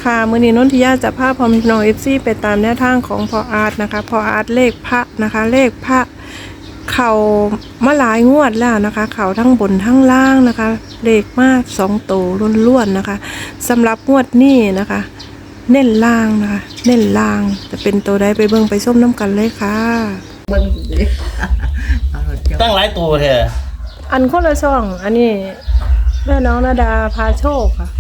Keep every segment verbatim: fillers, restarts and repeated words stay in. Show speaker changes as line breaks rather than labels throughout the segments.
ค่ะมื้อนี้นนทิยาจะพาพ่อแม่พี่น้อง เอฟ ซี ไปตามแนวทางของพ่ออาร์ตนะคะพ่ออาร์ตเลขพระนะคะเลขพระเข่ามาหลายงวดแล้วนะคะเข่าทั้งบนทั้งล่างนะคะเลขมาสองโตล้วนๆนะคะสำหรับงวดนี้นะคะ เน้นล่างนะคะเน้นล่างจะเป็นตัวใดไปเบิ่งไปส้มน้ำกันเลยค่ะ
เบิ่งสิเอารถเจ้า
ตั้งหลายตัวเถอะ
อันคนละช่องอันนี้แม่น้องนาดาพาโชคค่ะ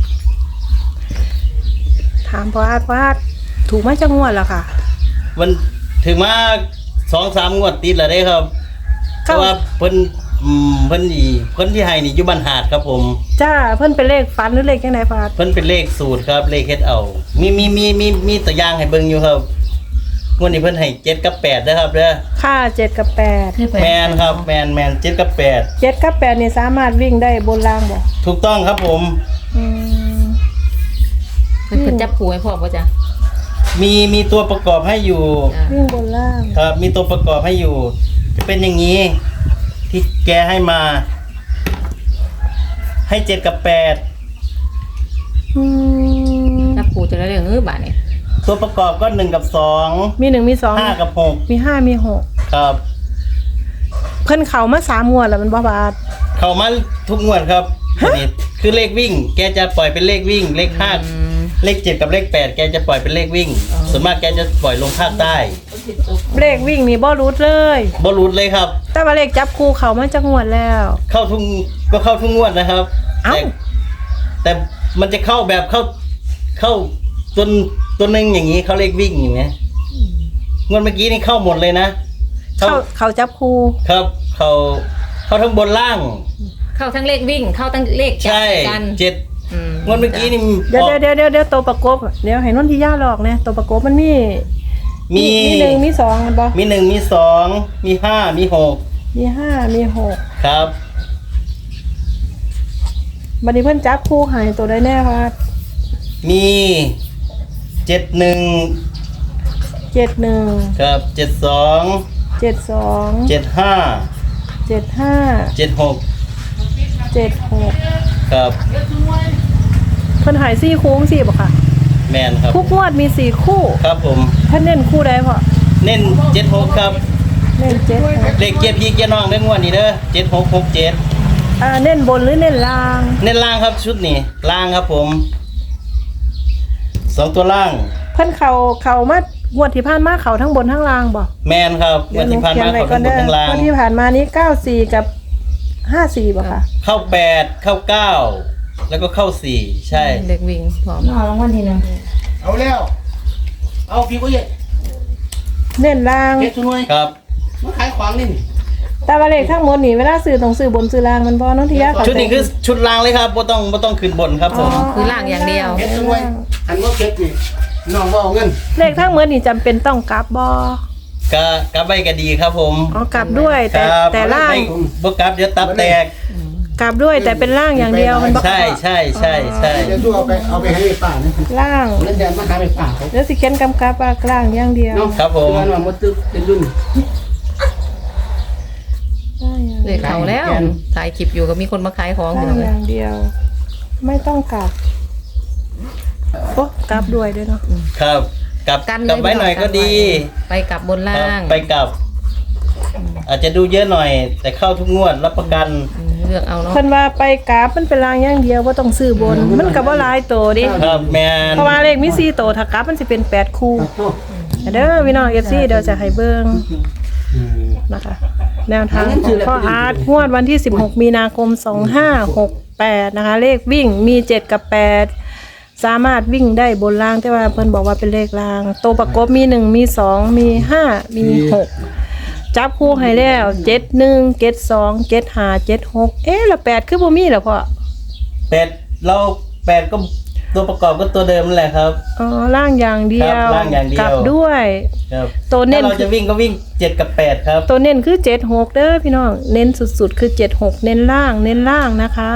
ถามพ่ออาร์ตพ่ออาร์ตถูกไหมจังงวดแล้วค่ะ
มันถึงมาสองสามงวดติดแล้วได้ครับเพ
เข้า
ราะว่าเพิ่นอืมเพิ่นนี่เพิ่นที่ให้นี่อยู่บ้านหาดครับผม
จ้าเพิ่นเป็นเลขฟันหรือเลขยังไงพ่ออาร์ต
เพิ่นเป็นเลขสูตรครับเลขเฮ็ดเอา มีมีมีมีมีตัวอย่างให้เบิ่งอยู่ครับงวดนี้เพิ่นให้เจ็ดกับแปดนะครับเด้อ
ค่าเจ็ดกับแปด
แมนครับแมนแมนเจ็ดกับแปด
เจ็ดกับแปดนี่สามารถวิ่งได้บนล่างบ่
ถูกต้องครับผม
อืม
เพิ่นเพิ่นจับผูให้พ่อบ่จ๊ะ
มีมีตัวประกอบให้อยู่
จ้ะ
วิ่งบนล่าง
ครับ มีตัวประกอบให้อยู่ จะเป็นอย่างนี้ ที่แกให้มา ให้เจ็ดกับแปด
อืม
จับผูจะได้เรื่องเออบาดนี่
ตัวประกอบก็หนึ่งกับสอง
มีหนึ่งมีสอง
ห้ากับหก
มีห้ามีหก
ครับ
เพิ่นเข้ามาสามงวดแล้วมันบ่บาด
เข้ามาทุกงวดครับอันนี้คือเลขวิ่ง แกจะปล่อยเป็นเลขวิ่ง เลขห้า
อืม
เลขเจ็ดกับเลขแปดแกจะปล่อยเป็นเลขวิ่ง
อ๋อ
ส่วนมากแกจะปล่อยลงภาคใต้
เลขวิ่งนี่บ่รูดเลย
บอลูดเลยครับ
แต่ว่าเลขจับคู่เข้ามาจักงวดแล้ว
เข้าทุกก็เข้าทุกงวดนะครับ
เอ้า
แต่แต่มันจะเข้าแบบเข้าเข้าตัวตัวหนึ่งอย่างนี้เขาเลขวิ่งอย่างเงี้ยงวดเมื่อกี้นี่เข้าหมดเลยนะ
เข้าเข้าจับคู่
ครับ เขาเข้าทั้งบนล่าง
เข้าทั้งเลขวิ่ง เข้าทั้งเลขจับ
ใช่
กัน
เจ็ด
อืม
งวดเมื่อกี้นี่
เดี๋ยว
ออก
เดี๋ยวเดี๋ยวเดี๋ยวตัวประกบเดี๋ยวให้นนทิยาหลอกเนี่ยตัวประกบมันมี
มี
มีหนึ่งมีสองมันบ่
มีหนึ่งมีสองมีห้ามีหก
มีห้ามีหก
ครับ
บัดนี้เพิ่นจับคู่ให้ตัวใดแน่ค่ะ
มีเจ็ดหนึ่ง
เจ็ดหนึ่ง
ครับเจ็ดสอง
เจ็ดสอง
เจ็ดห้า
เจ็ดห้า
เจ็ดหก
เจ็ดหก
ครับ
เพิ่นใหายสี่คู่สี่บ่ค่ะ
แมนครับ
ทุกงวดมีสี่คู่
ครับผม
ท่านเน้นคู่ใดพ่อ
เน้นเจ็ดหกครับ
เน้นเจ็ดหก
เลขเกียร์พี่เกียร์น้องได้งวดนี้เด้อเจ็ดหกหกเจ็ด
อ่าเน้นบนหรือเน้นล่าง
เน้นล่างครับชุดนี้ล่างครับผมสองตัวล่าง
เพิ่นเขาเขามางวดที่ผ่านมาเขาทั้งบนทั้งล่างบ่
แมนครับ
เดี๋ยว
วัน
หนู
ที่ผ่าน
เขียน
มา
ไว้
เขา
ก่อ
เป็น นบ
เด้
น
อ
ทั้งล่าง
งวดที่ผ่านมานี้เก้าสี่กับห้าสี่บ่ค่ะ
เข้าแปดเข้าเก้าแล้วก็เข้าสี่ใช่
เลขวิ่งพร้อม
เอารางวัลที่หนึ่ง
เอาแล้ว เอาพี่ก็เย็ด
เน้นล่าง
เฮ็ดช่วย
ครับ
มาขายของนี่
แต่ว่าเลขทั้งหมดนี่เวลาซื้อต้องซื้อบนซื้อล่างมันบ่น้องทิยาเข้าใจ
ชุดนี้คือชุดล่างเลยครับบ่ต้องบ่ต้องขึ้นบนครับผม
คือล่างอย่างเดียว
เฮ็ดช่วยอันว่าเก็บนี่น้องบ่เอาเงิน
เลขทั้งหมดนี่จำเป็นต้องกลับบ่
ก็กลับไปก็ดีครับผม
อ๋อกลับด้วย
ค
แต่
รับ
แต่ล่าง
ไม่บ่กลับเดี๋ยวตับแตก
กลับด้วยแต่เป็นล่างอย่างเดียวมันบ่
ใช่ใช่ใช่ใช่
เดี๋ยวตู้เอาไปเอาไปให้ป้านะ
ล่าง
เล่นแดนมาหาไปป้าเขา
แล้วสิเขียนกำกับว่ากลางอย่างเดียว
เนาะ
ครับผม
เงินว่าบ่ตึกเป็นรุ่น
เลขเขาแล้วถ่ายคลิปอยู่ก็มีคนมาขายของอยู่
ล่าง
เล
อย ย่างเดียว ไม่ต้องกลับโอ้กลับด้วยด้วยเนาะ
ครับกลับ
กัน
กลับไว้หน่อยก็ดี
ไปกลับบน
ค
ล่า
รับ
ง
ไปกลับ อาจจะดูเยอะหน่อย แต่เข้าทุกงวดรับประกัน
อืมเลือกเอาเนาะ
เพิ่นว่าไปกราฟมันเป็นรางอย่างเดียวว่าต้องซื้อบน มันก็บ่หลายโตดิ
ครับแมน
เพราะว่าเลขมีสี่โตถ้ากราฟมันสิเป็นแปดคู่เด้อพี่น้อง เอฟ ซี เดี๋ยวจะให้เบิ่งนะคะ แนวทางของพ่ออาร์ตงวดวันที่สิบหกมีนาคมสองห้าหกแปดนะคะ เลขวิ่งมีเจ็ดกับแปดสามารถวิ่งได้บนล่างแต่ว่าเพิ่นบอกว่าเป็นเลขล่างตัวประกบมีหนึ่งมีสองมีห้ามีหกจับคู่ให้แล้วเจ็ดหนึ่งเจ็ดสองเจ็ดห้าเจ็ดหกเอ๊ะแล้วแปดคือบ่มีเหรอพ่อ
แปดเราแปดก็ตัวประกอบก็ตัวเดิมนั่นแหละครับ
อ๋อล่างอย่างเดียว
ครับล่างอย่างเดียว
กลับด้วย
ครับ
ตัวเน้
ถ้าน เราจะวิ่งก็วิ่งเจ็ดกับแปดครับ
ตัวเน้นคือเจ็ดหกเด้อพี่น้องเน้นสุดๆคือเจ็ดหกเน้นล่างเน้นล่างนะคะ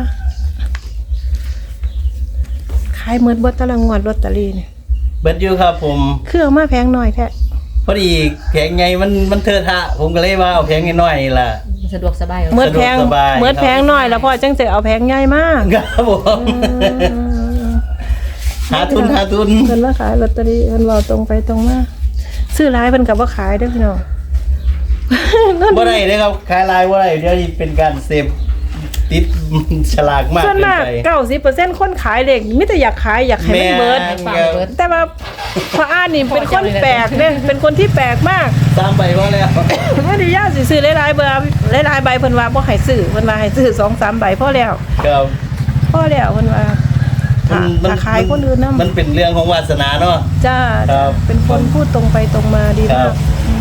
ขายเหมือนบดตะลังงวดลอตเตอรี่เนี่ย
เบิดอยู่ครับผม
เครื่องมาแพงหน่อยแท้
พอดีแผงไงมันมันเทอะทะผมก็เลยว่าเอาแผงน้อยๆนี่ล่ะ
สะดวกสบาย
เมื่อแพง
สะดวกสบาย
เมื่อแพงหน่อยแล้วพ่อจังจะเอาแพงใหญ่มาก
ครับผม
อืม
หาทุนหาทุน
เพิ่นว่าขายลอตเตอรี่เพิ่นเว้าตรงไปตรงมาซื้อหลายเพิ่นก็บ่ขายเด้อพี่น้อง
บ่ได้เด้อครับขายลายบ่ได้เดี๋ยวนี้เป็นการเสพติดฉลากมาก
ส่วน
เกิน
มาก
ไป
เก้าสิบเปอร์เซ็นต์คนขายเลขมีแต่อยากขายอยากให้มันเบิด
แม่
ฟังเบิด
แต่ว่าพระอานี่เป็นคนแปลกเนี่ยเป็นคนที่แปลกมาก
สามใบพอแล้ว
ไม่ได้ยากสิซื้อหลายๆเบอร์หลายๆใบเพิ่นว่าบ่ให้ซื้อเพิ่นว่าให้ซื้อสองสามใบพอแล้ว
ครับ
พอแล้วเพิ่นว่าถ้าถ้าขายคนอื่นนำ
มันเป็นเรื่องของวาสนาเนาะ
จ้า
ครับ
เป็นคนพูดตรงไปตรงมาดี
ครั
มา
บ
ก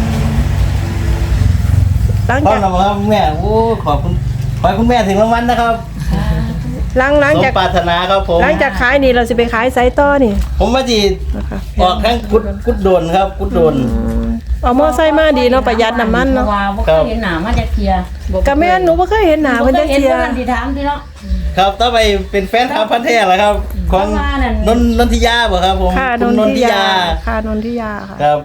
หลัง
พ่อ
จาก
นำครับคุณแม่โอ้ขอบคุณขอให้คุณแม่ถึงรางวัลนะครับ
หลังหลัง
สม
จาก
ปรารถนาครับผม
หลังจากขายนี่เราสิไปขายไสต่อนี่
ผมว่าจี
นะคะ
ออกข้างกุดกุดโดนครับ กุดโดน
อืมเอามอไซค์มาดีเนาะประหยัดน้ำมัน
เพ
เนาะ
ราะว่าบ่เคยเห็นหน้ามาจากเทีย
ก็แม่นหนูบ่เคยเห็นหน้า
บ่
เพิ่น
เค
จั
ย
ก
เห็น
เที่ย
เพิ่นสิถามที่เนาะ
ครับต่อไปเป็นแฟนคลับพันธุ์แท้เหรอครับ ของ
เพราะว่านั่น
นนนนทิยาบ่ครับผม
ค่ะน
คุณ
น
นน
ทิ
ทิ
ยาย
า
ค่ะนนทิยาค่ะ
ครับ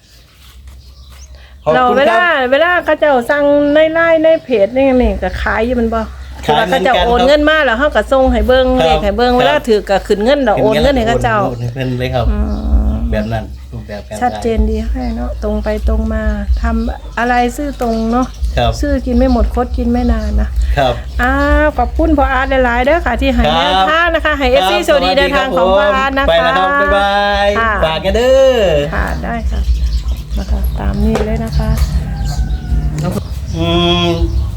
ขอบ
เรา
คุณ
เว
ค
ลา
รับ
เวลาเขาเจ้าสั่งในไลน์ในเพจนี่นี่ก็ขายอยู่มันบ่
ขาย
เวลาเขาเจ้า
เหมือนกัน
โอนเงินมาแล้วเฮาก็ส่งให้เบิ่ง
ครับ
เลขให้เบิ่ง
ครับ
เวลาถือก็ขึ้นเงินแล้วโอนเงินให้เขาเจ้า
โอนให้เพิ่นเลยครับ
อืม
แบบนั้นรูปแบบการ
ชัดเจนดีให้เนาะตรงไปตรงมาทำอะไรซื่อตรงเนาะ
ครับ
ซื่อกินไม่หมดคดกินไม่นานนะครับ อ้าวขอบคุณพ่ออาร์ตหลายๆเด้อค่ะที่ให้
ครับ
แนวทางนะคะให้ เอฟ ซี สวัสดีเดินทางของพ่ออาร์ตนะคะ
ไปแล้วครับบ๊ายบาย
ค่ะ
ฝากกันเด้อ
ค่ะได้ค่ะนะคะตามนี้เลยนะคะ
อืม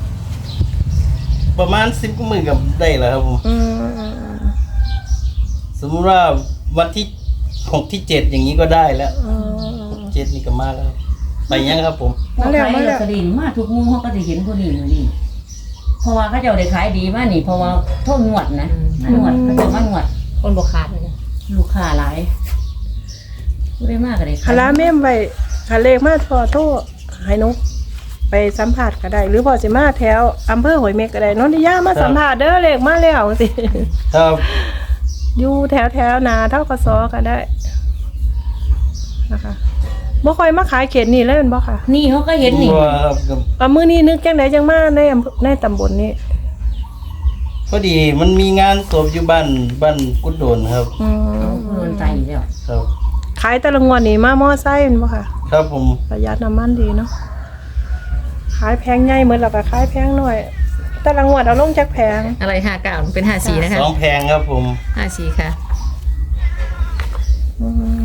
ประมาณสิบกว่าหมื่นกับได้แล้วครับผม
อืมอืมอืม
สมมติว่าวันที่หกที่เจ็ดอย่างนี้ก็ได้แล้ว
อืม
เจ็ดนี่ก็มาแล้ว ไปยังครับผม
บ่ขายลอตเตอรี่มาทุกมุมเขาก็สิเห็นผู้นี้มื้อนี้เพราะว่าเขาเจ้าได้ขายดีมานี่เพราะว่าโทษงวดนะนวดเขาเจ้ามานวด
คนบ่ขาดเลยนะ
ลูกค้าหลายผู้ได้มากก็ได้
คาราเมมไว้คาเลขมาพอโทษให้หนุไปสัมผัสก็ได้ หรือพอสิมาแถวอำเภอหอยเม็กก็ได้นนทิยามาสัมผัสเด้อเลขมาแล้วสิ
ครับ
อยู่แถวแถวๆนาเท่ากระซอก็ได้นะคะบ่ค่อยมาขายเขตนี่เลยแมันบ่ค่ะ
นี่เขาก็เห็นนี่
ว่าครับกับ
เอามื้อนี้นึกจังไดจังมาในอำเภอในตำบลนี้
พอดีมันมีงานศพอยู่บ้านบ้านกุดโดนครับ
อืม
โดนใจอยู่แล้ว
ครับ
ขายแต่ละงวดนี่มามอไซค์แม่นบ่ค่ะ
ครับผม
ประหยัดน้ำมันดีเนาะขายแพงใหญ่เหมือนแล้วก็ขายแพงหน่อย แต่ละงวดเอาลงจากแพง
อะไรห้าเก้าเป็นห้าสี่นะคะ
สองแพงครับผม
ห้าสี่ค่ะ
อืม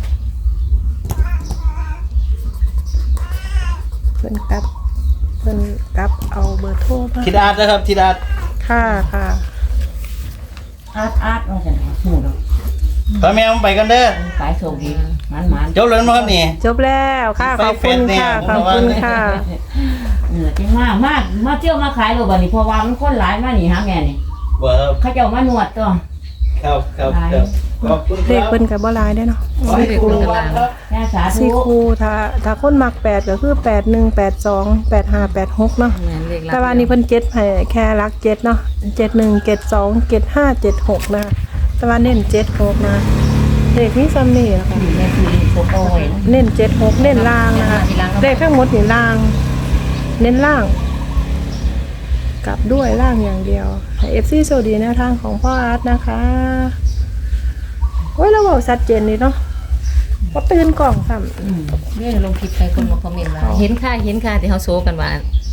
เพิ่นกลับเพิ่นกลับเอาเบอร์โทรมา
ทิดอาร์ตนะครับทิดอาร์ต
ค่ะค่ะ
อาร์ตอาร์ตว่าซั่นว่าฮู้ดอก
พ่อแม่ผมไปกันเด้อ
ขายโชคดีมันๆ
จบแล้วมั้งครับนี่
จบแล้วค่ะขอบคุณค่ะขอบคุณค่ะ
เออจริงมากมากมาเที่ยวมาขายโลบันนี่เพราะว่ามันคนหลายมานี่หาแม่นี่
ว่าครับ
เขาเจ้ามานวดตัว
ครับครับครับขอบคุณค
เลข
รับ
เพิ่นก็บ่หลายเด้อเนาะ
ขอให้คุณรางวัลครับ
แม่สาธุ
สี่คู่ถ้าถ้าคนมักแปดก็คือแปดหนึ่งแปดสองแปดห้าแปดหกเนาะ
แม่นเลขลับ
แต่ว่านี่เพิ่นเจ็ดให้แค่รักเจ็ดเนาะเจ็ดหนึ่งเจ็ดสองเจ็ดห้าเจ็ดหกนะคะแต่ว่าเน้นเจ็ดหกนะเลขนี้ซ้ำนี่นะคะ
นี่แม่คือโฟโต้ไว้นะ
เน้นเจ็ดหกเน้นล่างนะคะเลขทั้งหมดนี่ล่าง เน้นล่าง กลับด้วยล่างอย่างเดียวให้เอฟซีโซดีแนวทางของพ่ออาร์ตนะคะโอ้ยเราบอกชัดเจนดีเนาะว่าตื่นกล่องซ้ำ
อืม
เรื่องลงคลิปไปคนมาคอมเมนต์ว่าเห็นค่าเห็นค่าที่เขาโซกันว่า